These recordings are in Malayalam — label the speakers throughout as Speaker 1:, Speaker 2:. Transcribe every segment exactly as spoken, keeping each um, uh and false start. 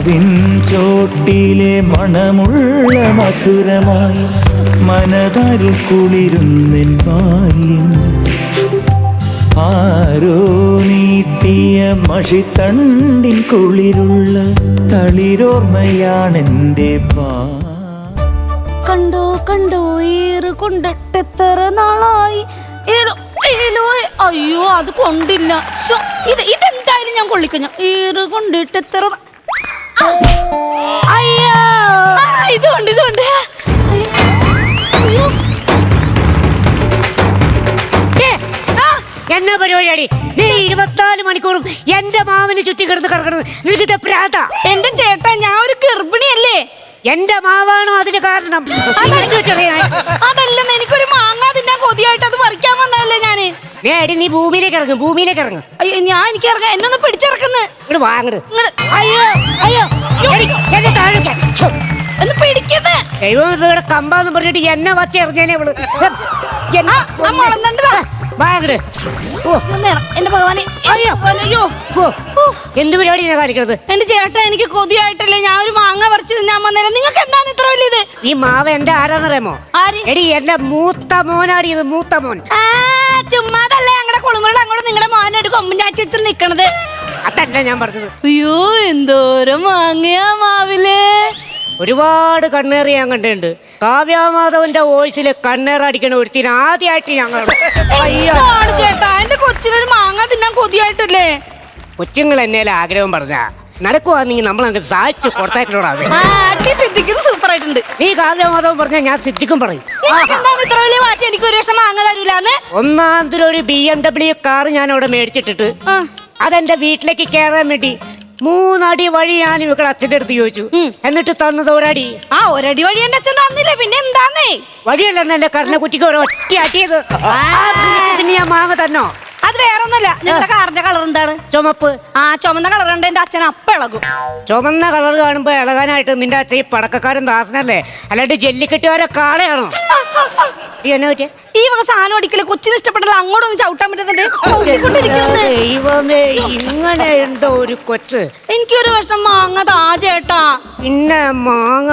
Speaker 1: മാവിൻ ചോട്ടിലെ മണമുള്ള മധുരമായി മനതാരിൽ കുളിരുന്നെൻ ബാല്യം. ആരോ നീട്ടിയ മഷിത്തണ്ടിൻ കുളിരുള്ള തളിരോർമ്മയാണെന്റെ ബാ.
Speaker 2: കണ്ടോ കണ്ടോ ഏറ് കൊണ്ടിട്ടെത്ര നാളായി. അയ്യോ അത് കൊണ്ടില്ല. ഇത് ഇതെന്തായാലും ഞാൻ കൊള്ളിക്കഞ്ഞു. ഏറ് കൊണ്ടിട്ടെത്ര അയ്യോ ഇതുകൊണ്ട് ഇതുകൊണ്ട്
Speaker 3: എന്നാ പരിപാടിയാടി നീ ഇരുപത്തിനാല് മണിക്കൂറും എന്റെ മാവിന് ചുറ്റി കിടന്ന് കിടക്കുന്നത്? നിനക്ക് പ്രാത.
Speaker 2: എന്റെ ചേട്ടാ ഞാൻ ഒരു ഗർഭിണിയല്ലേ.
Speaker 3: എന്റെ മാവാണോ അതിന് കാരണം?
Speaker 2: അതല്ലെന്ന് എനിക്കൊരു മാങ്ങ തിന്നാൻ കൊതിയായിട്ട് അത് പറിക്കാൻ വന്നതല്ലേ ഞാന്.
Speaker 3: നേടി നീ ഭൂമിയിലേക്ക് ഇറങ്ങും, ഭൂമിയിലേക്ക് ഇറങ്ങും.
Speaker 2: അയ്യോ ഞാൻ എനിക്ക് ഇറങ്ങാം. എന്നൊന്ന് പിടിച്ചിറക്കുന്നു.
Speaker 3: ഇവിടെ വാങ്ങട്. അയ്യോ അയ്യോ എന്നെ താഴെ
Speaker 2: ഒന്ന് പിടിക്കുന്നേ.
Speaker 3: ദൈവം ഇവിടെ കമ്പാന്ന് പറഞ്ഞിട്ട് എന്നെ വച്ച് എറിഞ്ഞേനെ ഇവള്. വാങ്ങട്. ഓ
Speaker 2: എന്റെ ഭഗവാനെ.
Speaker 3: അയ്യോ അയ്യോ എന്ത് പരിപാടിയാണ് കാണിക്കുന്നത്?
Speaker 2: എന്റെ ചേട്ടാ എനിക്ക് കൊതിയായിട്ടല്ലേ ഞാൻ ഒരു മാങ്ങ പറിച്ച് തിന്നാൻ വന്നേരം. നിങ്ങൾക്ക് എന്താണ് ഇത്ര വലിയത്?
Speaker 3: ഈ മാവ് എന്റെ ആരാന്നറിയാമോ? എടി എന്റെ മൂത്ത മോനാടി ഇത്, മൂത്ത മോൻ.
Speaker 2: ചുമ്മാതല്ലേ ഞങ്ങളുടെ കുളിമുറിൽ അങ്ങോട്ട് നിങ്ങളുടെ മോനായിട്ട് കൊമ്പൻ ചാച്ചി വെച്ച് നിക്കണത്.
Speaker 3: അതല്ല ഞാൻ പറഞ്ഞത്.
Speaker 2: അയ്യോ എന്തോരം മാങ്ങയാ മാവില്.
Speaker 3: ഒരുപാട് കണ്ണേറ് ഞാൻ കണ്ടിട്ടുണ്ട്. കാവ്യാമാധവന്റെ വോയിസില് കണ്ണേറടിക്കണ ഒരുത്തിന് ആദ്യമായിട്ട് ഞങ്ങൾ.
Speaker 2: ചേട്ടാ എന്റെ കൊച്ചിനൊരു മാങ്ങ തിന്നാൻ കൊതിയായിട്ടല്ലേ.
Speaker 3: കൊച്ചുങ്ങൾ എന്നേലും ആഗ്രഹം പറഞ്ഞ നടക്കുവാണെങ്കിൽ നമ്മൾ അങ്ങ് സാധിച്ചു കൊടുത്തേക്കണോടാ.
Speaker 2: സൂപ്പർ ആയിട്ടുണ്ട്.
Speaker 3: നീ കാവ്യാമാധവൻ പറഞ്ഞാൽ ഞാൻ സിദ്ധിക്കും പറയും.
Speaker 2: ഇത്ര വലിയ വാശി എനിക്ക് ഒരു വർഷം മാങ്ങ തരൂലെന്ന്.
Speaker 3: ഒന്നാമതൊരു ബി എം ഡബ്ല്യു കാർ ഞാൻ അവിടെ മേടിച്ചിട്ടിട്ട് അതെന്റെ വീട്ടിലേക്ക് കയറാൻ വേണ്ടി മൂന്നടി വഴി ഞാൻ ഇവിടെ അച്ഛൻ്റെ അടുത്ത് ചോദിച്ചു. എന്നിട്ട് തന്നത് ഒരടി.
Speaker 2: ആ ഒരടി വഴി എന്റെ അച്ഛൻ തന്നില്ല. പിന്നെ എന്താന്നേ
Speaker 3: വഴിയല്ലെന്നല്ലേ കറിനെ കുറ്റിക്ക് ഒരു ഒറ്റ അടിയത്. പിന്നെ ഞാൻ മാങ്ങ തന്നോ?
Speaker 2: അത് വേറൊന്നുമല്ല. നിങ്ങളുടെ കാറിന്റെ കളർ എന്താണ്?
Speaker 3: ചുമപ്പ്.
Speaker 2: ആ ചുമന്ന കളർ ഉണ്ട്. എന്റെ അച്ഛൻ അപ്പ ഇളകും.
Speaker 3: ചുമന്ന കളർ കാണുമ്പോ ഇളകാനായിട്ട് നിന്റെ അച്ഛൻ ഈ പടക്കക്കാരൻ ദാസനല്ലേ, അല്ലാണ്ട് ജല്ലിക്കെട്ടുകാരെ കാളയാണോ? എന്നാ പറ്റിയ
Speaker 2: ഈ വക സാധനം അടിക്കല് കൊച്ചിന് ഇഷ്ടപ്പെട്ടില്ല. അങ്ങോട്ടൊന്ന് ചവിട്ടാൻ പറ്റുന്നുണ്ട്.
Speaker 3: ദൈവമേ ഇങ്ങനെ ഉണ്ടോ ഒരു കൊച്ച്.
Speaker 2: എനിക്കൊരു വർഷം മാങ്ങ താ ചേട്ടാ.
Speaker 3: പിന്നെ മാങ്ങ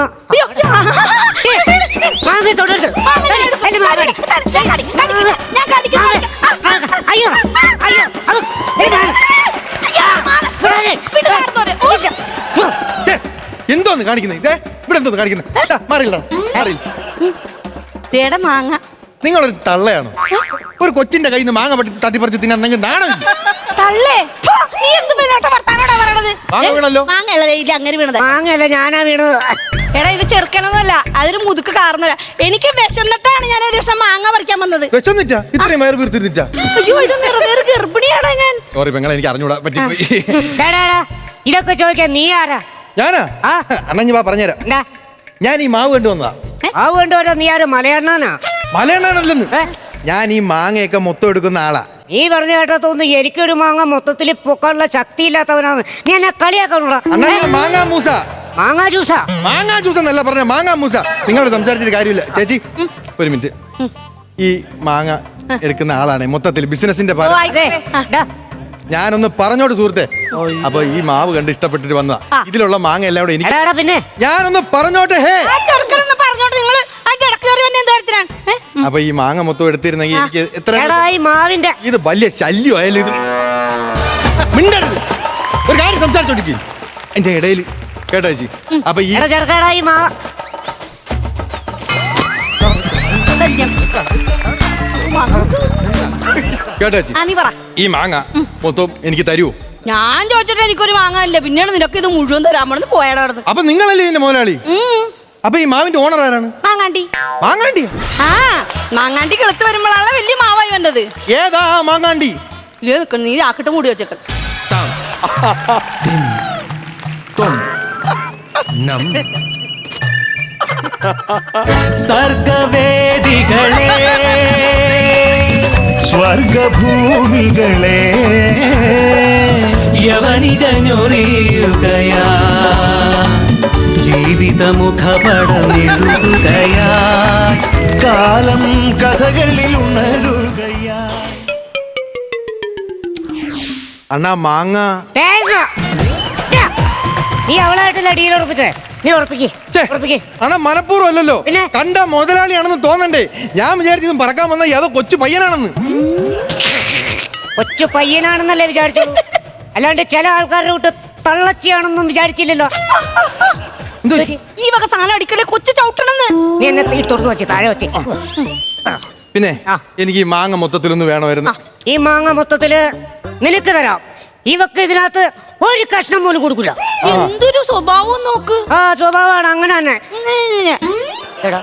Speaker 3: മാങ്ങ തൊടരുത്. അയ്യോ അയ്യോ
Speaker 4: എന്തോന്ന് കാണിക്കുന്നത്? ഇതേ ഇവിടെ എന്തോന്ന് കാണിക്കുന്നത്?
Speaker 2: മാങ്ങ
Speaker 4: നിങ്ങളൊരു തള്ളയാണോ? ഒരു കൊച്ചിന്റെ കയ്യിൽ നിന്ന് മാങ്ങ തട്ടിപ്പറിച്ച് തിന്നാൻ നിങ്ങൾ നാണോ?
Speaker 3: മാങ്ങയല്ല ഞാനാ വീണത്.
Speaker 2: എടാ ഇത് ചെറുക്കണമെന്നല്ല, അതൊരു മുതുക്ക് കാരണല്ല. എനിക്ക് വിശന്നിട്ടാണ് ഞാൻ ഒരു ദിവസം മാങ്ങ പറിക്കാൻ വന്നത്.
Speaker 4: വിശന്നിട്ടാ? ഇത്രയും വയറ് വീർത്തിരുന്നിട്ടാ?
Speaker 2: അയ്യോ ഇത് നിറവേറ് ഗർഭിണിയാടാ ഞാൻ.
Speaker 4: സോറി പെങ്ങളെ, എനിക്ക് അറിഞ്ഞൂടാ പറ്റിപ്പോയി.
Speaker 3: ഇതൊക്കെ ചോദിക്കാൻ നീ ആരാ?
Speaker 4: ഞാനാ? അണ്ണഞ്ഞു വാ പറഞ്ഞുതരാം. ഞാൻ ഈ മാവ് കൊണ്ടുവന്നതാ.
Speaker 3: മാവ് കൊണ്ടുവരാ? നീ ആരും മലയണ്ണാനാ?
Speaker 4: മലയണ്ണാനല്ലെന്ന്. ഞാൻ ഈ മാങ്ങയൊക്കെ മൊത്തം എടുക്കുന്ന ആളാ.
Speaker 3: നീ പറഞ്ഞു കേട്ടാ തോന്നുന്നു എനിക്കൊരു മാങ്ങ മൊത്തത്തിൽ പൊക്കാനുള്ള ശക്തി ഇല്ലാത്തവനാണ്. നീ എന്നെ കളിയാക്കണോടാ.
Speaker 4: മാങ്ങാ മൂസ.
Speaker 3: മാങ്ങാ ജ്യൂസാ?
Speaker 4: മാങ്ങാ ജ്യൂസ് എന്നല്ല പറഞ്ഞ, മാങ്ങാ മൂസ. നിങ്ങളോട് സംസാരിച്ചിട്ട് കാര്യമില്ല. ചേച്ചി ഒരു മിനിറ്റ്. ഈ മാങ്ങ എടുക്കുന്ന ആളാണ് മൊത്തത്തിൽ ബിസിനസിന്റെ ഭാഗം. ഞാനൊന്ന് പറഞ്ഞോട്ട് സുഹൃത്തെ. അപ്പൊ ഈ മാവ് കണ്ട് ഇഷ്ടപ്പെട്ടിട്ട് വന്നതാ. ഇതിലുള്ള മാങ്ങ എല്ലാം കൂടെ എനിക്ക്.
Speaker 3: പിന്നെ
Speaker 4: ഞാനൊന്ന് പറഞ്ഞോട്ടെ. ഹേ അപ്പൊ ഈ മാങ്ങ മൊത്തം എടുത്തിരുന്നെങ്കിൽ എനിക്ക് എത്ര ഇത് വലിയ ശല്യമായാലും ഇത് മിണ്ടരുത്. ഒരു കാര്യം സംസാരിച്ചോണ്ടിരിക്കും എന്റെ ഇടയിൽ കേട്ടോ ചേച്ചി. അപ്പൊ ഈ കേട്ടോ ചേച്ചി, ഈ മാങ്ങ മൊത്തം എനിക്ക് തരുമോ?
Speaker 2: ഞാൻ ചോദിച്ചിട്ട് എനിക്കൊരു മാങ്ങ ഇല്ല. പിന്നീട് നിനക്ക് ഇത് മുഴുവൻ തരാമെന്ന് പോയാടാ.
Speaker 4: അപ്പൊ നിങ്ങളല്ലേ ഇതിന്റെ മുതലാളി? അപ്പൊ ഈ മാവിന്റെ ഓണർ ആരാണ്?
Speaker 2: മാങ്ങാണ്ടി.
Speaker 4: മാങ്ങാണ്ടി?
Speaker 2: ആ മാങ്ങാണ്ടി കിളുത്ത് വരുമ്പോഴാണ് വലിയ മാവായി വന്നത്.
Speaker 4: ഏതാ മാങ്ങാണ്ടി?
Speaker 2: നീ ആക്കിട്ട് മൂടി വെച്ചേക്ക.
Speaker 1: സർഗവേദികളെ സ്വർഗഭൂമികളെ യവനികഞ്ഞൊറിയുകയാ ജീവിതമുഖപടമെഴുതുകയാ കാലം കഥകളിൽ ഉണരുകയാ.
Speaker 4: അണ്ണാ മാങ്ങ
Speaker 3: നീ അവളായിട്ടല്ല ഡീൽ ഉറപ്പിച്ചേ. നീ ഉറപ്പിക്ക്
Speaker 4: ഛേ,
Speaker 3: ഉറപ്പിക്ക്.
Speaker 4: അണ്ണാ മനഃപൂർവ്വം അല്ലല്ലോ.
Speaker 3: പിന്നെ?
Speaker 4: കണ്ട മുതലാളിയാണെന്ന് തോന്നണ്ടേ? ഞാൻ വിചാരിച്ചതും പറക്കാൻ വന്ന ഏതോ കൊച്ചു പയ്യനാണെന്ന്.
Speaker 3: കൊച്ചു പയ്യനാണെന്നല്ലേ വിചാരിച്ചത്, അല്ലാണ്ട് ചില ആൾക്കാരുടെ കൂട്ട് തള്ളച്ചിയാണെന്നും വിചാരിച്ചില്ലല്ലോ.
Speaker 4: എന്തോ
Speaker 2: ഈ വക സാധനം അടിക്കല്ലേ കൊച്ചു ചവിട്ടണെന്ന്.
Speaker 3: നീ എന്നെ തീ തുറന്നു വെച്ച് താഴെ വെച്ച്.
Speaker 4: പിന്നെ
Speaker 3: ആ.
Speaker 4: എനിക്ക് ഈ മാങ്ങ മൊത്തത്തിലൊന്ന് വേണമായിരുന്നു.
Speaker 3: ഈ മാങ്ങ മൊത്തത്തില് നിനക്ക് തരാം. ഇവക്ക് ഇതിനകത്ത് ഒരു കഷ്ണം പോലും കൊടുക്കില്ല.
Speaker 2: എന്തൊരു സ്വഭാവം നോക്ക്.
Speaker 3: ആ സ്വഭാവമാണ് അങ്ങനെ തന്നെ. എടാ,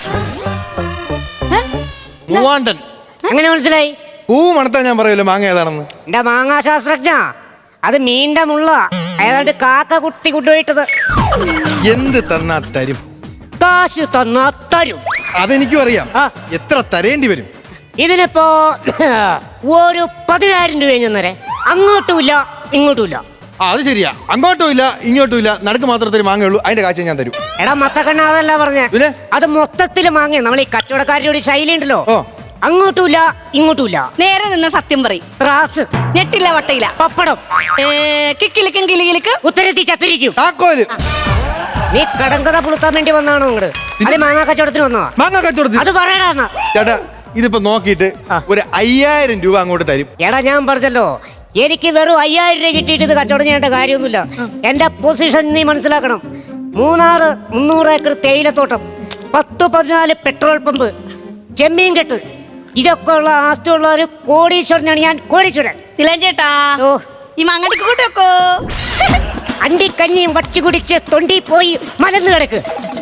Speaker 4: മൂവാണ്ടൻ
Speaker 3: എങ്ങനെ മനസ്സിലായി?
Speaker 4: പൂ മണത്താ ഞാൻ പറയല്ലോ മാങ്ങ ഏതാണെന്ന്.
Speaker 3: എന്റെ മാങ്ങാ ശാസ്ത്രജ്ഞ, അത് മീന്റെ മുള്ള ഏതാണ്ട് കാക്ക കുട്ടി കൊണ്ടുപോയിട്ടത്.
Speaker 4: എന്ത് തന്നാ തരും?
Speaker 3: കാശ് തന്നാ തരും.
Speaker 4: അതെനിക്കും അറിയാം.
Speaker 3: ആ.
Speaker 4: എത്ര തരേണ്ടി വരും?
Speaker 3: ഇതിനിപ്പോ ഒരു പതിനായിരം രൂപ ചെന്നേരെ. അങ്ങോട്ടുമില്ല ഇങ്ങോട്ടുമില്ല.
Speaker 4: ആ അത് ശരിയാ. അങ്ങോട്ടും ഇല്ല ഇങ്ങോട്ടും ഇല്ല, നടുക്ക് മാത്രത്തിൽ മാങ്ങയുള്ളൂ. അതിന്റെ കാഴ്ച ഞാൻ തരും.
Speaker 3: എടാ മത്തക്കണ്ണ അതല്ല പറഞ്ഞേ,
Speaker 4: പിന്നെ?
Speaker 3: അത് മൊത്തത്തില് മാങ്ങ. നമ്മൾ ഈ കച്ചവടക്കാരുടെ ഒരു ശൈലി ഉണ്ടല്ലോ,
Speaker 4: ഓ.
Speaker 3: അങ്ങോട്ടുമില്ല ഇങ്ങോട്ടുമില്ല.
Speaker 2: നേരെ നിന്ന് സത്യം പറയും.
Speaker 3: ത്രാസ്,
Speaker 2: ഞെട്ടില്ല വട്ടയില്ല.
Speaker 3: പപ്പടം,
Speaker 2: കിക്കിലിക്കും കിളികിലിക്ക്
Speaker 3: ഉത്തരത്തി ചത്തിരിക്കും.
Speaker 4: താക്കോല്
Speaker 3: നീ കടങ്കഥ പുളുത്താൻ വേണ്ടി വന്നാണോ ഇങ്ങോട്ട്? അത് മാങ്ങാ കച്ചവടത്തിന് വന്നതാ.
Speaker 4: മാങ്ങ കച്ചവടത്തിൽ.
Speaker 3: അത് പറയടാ.
Speaker 4: ചേട്ടാ ഇതിപ്പോ നോക്കിയിട്ട്
Speaker 3: ആ.
Speaker 4: ഒരു അയ്യായിരം രൂപ അങ്ങോട്ട് തരും.
Speaker 3: എടാ ഞാൻ പറഞ്ഞല്ലോ, എനിക്ക് വെറും അയ്യായിരം രൂപ കിട്ടിയിട്ട് ഇത് കച്ചവടം ചെയ്യേണ്ട കാര്യമൊന്നുമില്ല. എന്റെ പൊസിഷൻ നീ മനസ്സിലാക്കണം. മൂന്നാറ് മുന്നൂറ് ഏക്കർ തേയിലത്തോട്ടം, പത്ത് പതിനാല് പെട്രോൾ പമ്പ്, ചെമ്മീൻ കെട്ട്, ഇതൊക്കെ ഉള്ള ആസ്തിയുള്ള ഒരു കോടീശ്വരനാണ് ഞാൻ. കോടീശ്വരൻ.
Speaker 2: തിലൻ ചേട്ടാ,
Speaker 3: ഓ,
Speaker 2: ഈ മാങ്ങടിക്ക് കൂട്ടോക്കോ.
Speaker 3: അണ്ടിക്കഞ്ഞിയും വച്ചു കുടിച്ച് തൊണ്ടി പോയി മലന്ന് കിടക്ക്.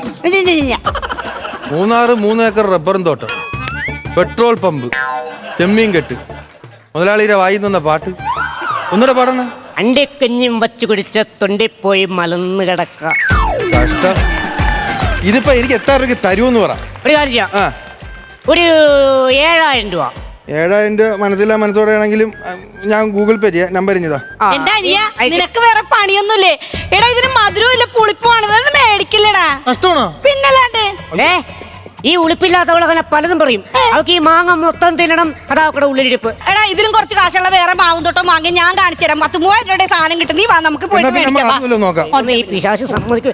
Speaker 4: മൂന്നാറ് മൂന്ന് ഏക്കർ റബ്ബറും തോട്ടം, പെട്രോൾ പമ്പ്, ചെമ്മീൻ കെട്ട്, മുതലാളിയുടെ വായി നിന്ന പാട്ട് ഒന്നുകൂടെ പാടണ.
Speaker 3: അണ്ടിക്കഞ്ഞിയും വച്ചു കുടിച്ച് തൊണ്ടി പോയി മലന്ന് കിടക്ക.
Speaker 4: കഷ്ടം. ഇതിപ്പോ എനിക്ക് എത്ര രൂപയ്ക്ക് തരുമെന്ന് പറ.
Speaker 3: ഒരു കാര്യം ചെയ്യാം,
Speaker 4: ആ
Speaker 3: ഒരു ഏഴായിരം രൂപ.
Speaker 4: ഏഴായിരം രൂപ മനസ്സിലാ മനസ്സോടെ ആണെങ്കിലും ഞാൻ ഗൂഗിൾ പേ ചെയ്യാം. നമ്പർ ഇഞ്ഞതാ.
Speaker 3: ആ,
Speaker 2: എന്റെ അനിയ,
Speaker 3: അയച്ച്.
Speaker 2: നിനക്ക് വേറെ പണിയൊന്നുമില്ലേ? എടാ ഇതിന് മധുരവും ഇല്ല പുളിപ്പുമാണ്, വേറെ മേടിക്കില്ലടാ.
Speaker 4: നഷ്ടമാണോ?
Speaker 2: പിന്നല്ലാണ്ട്.
Speaker 3: ഏ ഈ ഉളിപ്പില്ലാത്തവളങ്ങനെ പലതും പറയും. അവൾക്ക് ഈ മാങ്ങ മൊത്തം തിന്നണം, അതാ അവക്കടെ ഉള്ളിലിരിപ്പ്.
Speaker 2: എടാ ഇതിലും കുറച്ച് കാശുള്ള വേറെ മാവും തൊട്ടോ വാങ്ങി ഞാൻ കാണിച്ചു തരാം. പത്ത് മൂവായിരം രൂപയുടെ സാധനം കിട്ടും. നീ വാ നമുക്ക്
Speaker 4: എന്നാ
Speaker 2: പോയിട്ട്
Speaker 4: പിന്നെ നമ്മൾ
Speaker 2: മേടിക്കാം. വാ.
Speaker 4: അതുമല്ലോ നോക്കാം.
Speaker 3: ഒന്ന് ഈ പിശാച് സമ്മതിക്കും.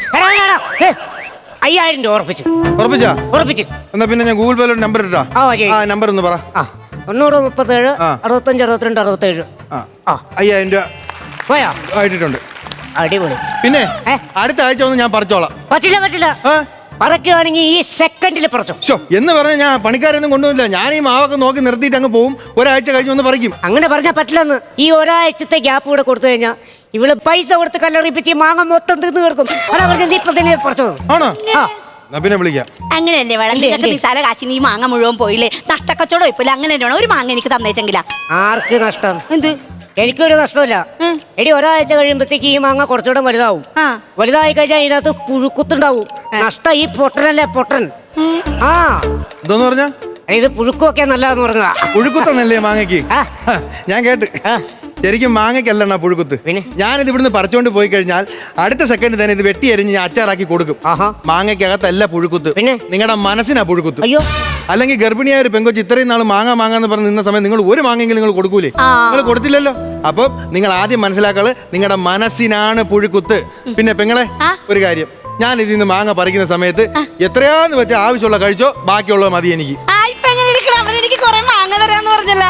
Speaker 3: അയ്യായിരം രൂപ ഉറപ്പിച്ച്
Speaker 4: ഉറപ്പിച്ചാ?
Speaker 3: ഉറപ്പിച്ച്
Speaker 4: എന്നാ പിന്നെ ഞാൻ ഗൂഗിൾ പേയിലോട്ട് നമ്പർ ഇട്ടാ.
Speaker 3: ആ, ശരി.
Speaker 4: ആ നമ്പർ ഒന്ന് പറ.
Speaker 3: ആ തൊണ്ണൂറ് മുപ്പത്തേഴ്
Speaker 4: ആ.
Speaker 3: അറുപത്തഞ്ച് അറുപത്തിരണ്ട് അറുപത്തേഴ്.
Speaker 4: ആ
Speaker 3: ആ
Speaker 4: അയ്യായിരം രൂപ
Speaker 3: പോയാ
Speaker 4: ആയിട്ടിട്ടുണ്ട്.
Speaker 3: അടിപൊളി.
Speaker 4: പിന്നെ
Speaker 3: ഏ?
Speaker 4: അടുത്ത ആഴ്ച ഒന്ന് ഞാൻ പറിച്ചോളാം.
Speaker 3: പറ്റില്ല പറ്റില്ല,
Speaker 4: ആ
Speaker 3: പറക്കുകയാണെങ്കിൽ ഈ സെക്കൻഡിൽ പറിച്ചോ.
Speaker 4: ശോ, എന്ന് പറഞ്ഞ ഞാൻ പണിക്കാരൊന്നും കൊണ്ടുവന്നില്ല. ഞാൻ ഈ മാവൊക്കെ നോക്കി നിർത്തിയിട്ട് അങ്ങ് പോവും. ഒരാഴ്ച കഴിഞ്ഞ് ഒന്ന് പറിക്കും.
Speaker 3: അങ്ങനെ പറഞ്ഞാൽ പറ്റില്ലെന്ന്. ഈ ഒരാഴ്ചത്തെ ഗ്യാപ്പ് കൂടെ കൊടുത്തു കഴിഞ്ഞാൽ ഇവള് പൈസ കൊടുത്ത് കല്ലറിയിപ്പിച്ച് ഈ മാങ്ങ മൊത്തം തിന്ന് കിടക്കും. അതാ പറഞ്ഞ നീ ഇപ്പൊ തന്നെ പറിച്ചോ.
Speaker 4: ആണോ?
Speaker 3: ആ
Speaker 4: എന്നാ പിന്നെ വിളിക്കാം.
Speaker 2: അങ്ങനെ തന്നെ വേണം.
Speaker 3: ഇല്ലേ,
Speaker 2: നിനക്ക്
Speaker 3: ഇല്ലേ.
Speaker 2: നിസാര കാശിന് ഈ മാങ്ങ മുഴുവൻ പോയില്ലേ? നഷ്ടക്കച്ചവടം ഇപ്പില്ല. അങ്ങനെ തന്നെ വേണം. ഒരു മാങ്ങ എനിക്ക് തന്നേച്ചെങ്കിലാ.
Speaker 3: ആർക്ക് നഷ്ടം?
Speaker 2: എന്ത്?
Speaker 3: എനിക്കൊരു നഷ്ടമില്ല. എടി ഒരാഴ്ച കഴിയുമ്പോഴത്തേക്ക് ഈ മാങ്ങ കുറച്ചുകൂടെ വലുതാവും.
Speaker 2: ആ.
Speaker 3: വലുതായി കഴിഞ്ഞാൽ ഇതിനകത്ത് പുഴുക്കുത്തുണ്ടാവും. നഷ്ടം ഈ പൊട്ടനല്ലേ പൊട്ടൻ. ആ
Speaker 4: എന്തോന്ന് പറഞ്ഞ?
Speaker 3: ഇത് പുഴുക്കുമൊക്കെ നല്ലതെന്ന് പറഞ്ഞതാ.
Speaker 4: പുഴുക്കുത്തന്നല്ലേ മാങ്ങയ്ക്ക്?
Speaker 3: ആ.
Speaker 4: ഹ, ഞാൻ കേട്ട്.
Speaker 3: ആ.
Speaker 4: ശരിക്കും മാങ്ങയ്ക്കല്ലണ്ണ പുഴുക്കുത്ത്.
Speaker 3: പിന്നെ?
Speaker 4: ഞാനിത് ഇവിടുന്ന് പറിച്ചോണ്ട് പോയി കഴിഞ്ഞാൽ അടുത്ത സെക്കൻഡ് തന്നെ ഇത് വെട്ടി എരിഞ്ഞ് ഞാൻ അച്ചാറാക്കി കൊടുക്കും.
Speaker 3: ആഹാ.
Speaker 4: മാങ്ങയ്ക്കകത്തല്ല പുഴുക്കുത്ത്,
Speaker 3: പിന്നെ?
Speaker 4: നിങ്ങളുടെ മനസ്സിനാ പുഴുക്കുത്ത്.
Speaker 3: അയ്യോ,
Speaker 4: അല്ലെങ്കിൽ ഗർഭിണിയായ ഒരു പെങ്കൊച്ച് ഇത്രയും നാൾ മാങ്ങ മാങ്ങാന്ന് പറഞ്ഞ് നിന്ന സമയം നിങ്ങൾ ഒരു മാങ്ങെങ്കിലും നിങ്ങൾ കൊടുക്കൂലേ?
Speaker 2: ആ.
Speaker 4: നിങ്ങൾ കൊടുത്തില്ലല്ലോ. അപ്പം നിങ്ങൾ ആദ്യം മനസ്സിലാക്കള് നിങ്ങളുടെ മനസ്സിനാണ് പുഴുക്കുത്ത്. പിന്നെ പെങ്ങളെ
Speaker 2: ആ.
Speaker 4: ഒരു കാര്യം, ഞാൻ ഇതിൽ നിന്ന് മാങ്ങ പറിക്കുന്ന സമയത്ത് എത്രയാന്ന് വെച്ചാൽ ആവശ്യമുള്ള കഴിച്ചോ, ബാക്കിയുള്ളത് മതി എനിക്ക്.
Speaker 2: ആ ഇപ്പൊ എങ്ങനെ ഇരിക്കണം? അവൻ എനിക്ക് കുറെ മാങ്ങ തരാന്ന് പറഞ്ഞല്ല.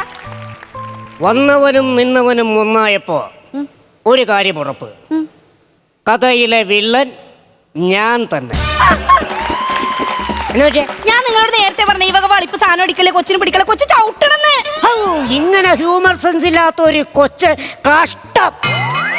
Speaker 3: വന്നവനും നിന്നവനും ഒന്നായപ്പോ ഒരു കാര്യം ഉറപ്പ്, കഥയിലെ വില്ലൻ ഞാൻ തന്നെ. എന്നാ പറ്റിയെ?
Speaker 2: ഞാൻ നിങ്ങളോട് നേരത്തെ പറഞ്ഞ ഈ വക വളിപ്പ് സാധനം അടിക്കല്ലേ, കൊച്ചിന് പിടിക്കല്ലേ, കൊച്ചു ചവിട്ടണെന്ന്.
Speaker 3: ഹൗ, ഇങ്ങനെ ഹ്യൂമർ സെൻസ് ഇല്ലാത്ത ഒരു കൊച്ച് കഷ്ടം.